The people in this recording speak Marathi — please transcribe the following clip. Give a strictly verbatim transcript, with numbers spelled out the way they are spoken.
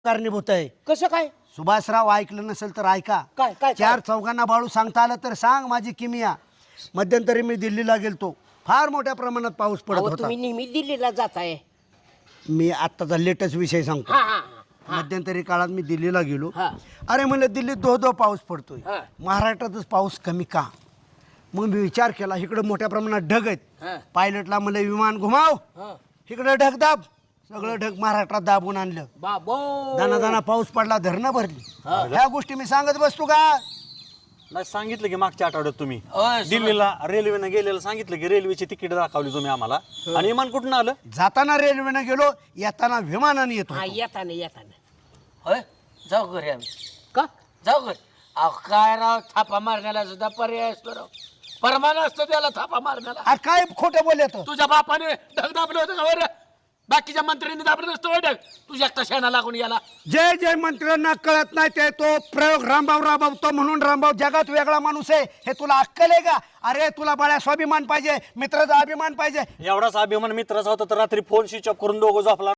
कारणीभूत आहे. कसं काय? सुभाषराव ऐकलं नसेल तर ऐका. काय काय चार चौघांना बाळू सांगता आलं तर सांग माझी किमिया. मध्यंतरी मी दिल्लीला गेलतो, फार मोठ्या प्रमाणात पाऊस पडत अहो, होता. तुम्ही नेहमी दिल्लीला जाताय. मी आत्ताचा लेटेस्ट विषय सांगतो. हा हा हा. मध्यंतरी काळात मी दिल्लीला गेलो. हा. अरे म्हणलं दिल्लीत दो दो पाऊस पडतोय, हा. महाराष्ट्रातच पाऊस कमी का? मग मी विचार केला, इकडं मोठ्या प्रमाणात ढग आहेत. हा. पायलटला म्हणलं विमान घुमाव, हा. इकडं ढग दाब. सगळं ढग महाराष्ट्रात दाबून आणलं. बाबो दाना दाना पाऊस पडला, धरणं भरली. ह्या गोष्टी मी सांगत बसतो का? नाही सांगितलं की मागच्या आठवड्यात तुम्ही होय, दिल्लीला रेल्वेनं गेलेलं सांगितलं की रेल्वेची तिकीट दाखवली तुम्ही आम्हाला. आणि विमान कुठून आलं? जाताना रेल्वेनं गेलो, येताना विमानाने येतो. हा येताना येताना होय जाऊ घरी आम्ही का? जाऊ घरी. अहो काय राव, थापा मारण्याला सुद्धा पर्याय असतो राव. परमान असतो त्याला थापा मारण्याला. अरे काय खोटं बोलत? तुझ्या बापाने ढग दाबलं होतं का बरं? बाकीच्या मंत्र्यांनी दाबलं नसतं होय ढग. तुझ्या एकटा शेणा लागून गेला. जय जय मंत्र्यांना कळत नाही ते तो प्रयोग रामभाऊ राबवतो म्हणून रामभाऊ जगात वेगळा माणूस आहे. हे तुला अक्कल आहे का? अरे तुला बाळ्या स्वाभिमान पाहिजे, मित्राचा अभिमान पाहिजे. एवढाच अभिमान मित्राचा होता तर रात्री फोन स्विच ऑफ करून दोघं झोपला